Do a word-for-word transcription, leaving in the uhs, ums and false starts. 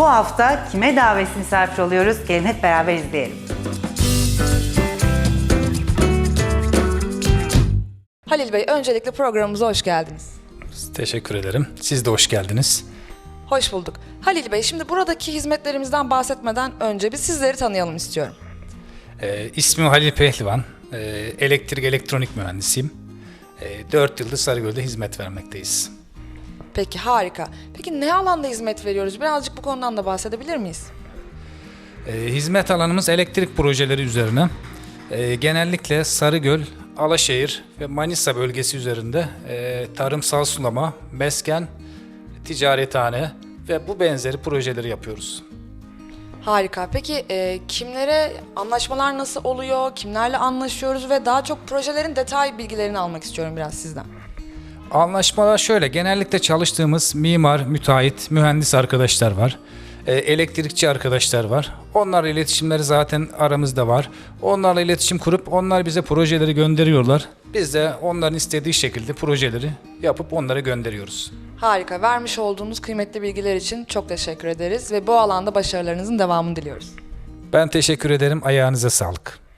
Bu hafta kime davetsiz misafir oluyoruz? Gelin hep beraber izleyelim. Halil Bey, öncelikle programımıza hoş geldiniz. Teşekkür ederim. Siz de hoş geldiniz. Hoş bulduk. Halil Bey, şimdi buradaki hizmetlerimizden bahsetmeden önce bir sizleri tanıyalım istiyorum. Ee, ismim Halil Pehlivan. Ee, elektrik elektronik mühendisiyim. Ee, dört yıldır Sarıgöl'de hizmet vermekteyiz. Peki, harika. Peki ne alanda hizmet veriyoruz? Birazcık bu konudan da bahsedebilir miyiz? Ee, hizmet alanımız elektrik projeleri üzerine. Ee, genellikle Sarıgöl, Alaşehir ve Manisa bölgesi üzerinde e, tarımsal sulama, mesken, ticarethane ve bu benzeri projeleri yapıyoruz. Harika. Peki e, kimlere, anlaşmalar nasıl oluyor? Kimlerle anlaşıyoruz ve daha çok projelerin detay bilgilerini almak istiyorum biraz sizden. Anlaşmalar şöyle, genellikle çalıştığımız mimar, müteahhit, mühendis arkadaşlar var. E, elektrikçi arkadaşlar var. Onlarla iletişimleri zaten aramızda var. Onlarla iletişim kurup onlar bize projeleri gönderiyorlar. Biz de onların istediği şekilde projeleri yapıp onlara gönderiyoruz. Harika. Vermiş olduğunuz kıymetli bilgiler için çok teşekkür ederiz ve bu alanda başarılarınızın devamını diliyoruz. Ben teşekkür ederim. Ayağınıza sağlık.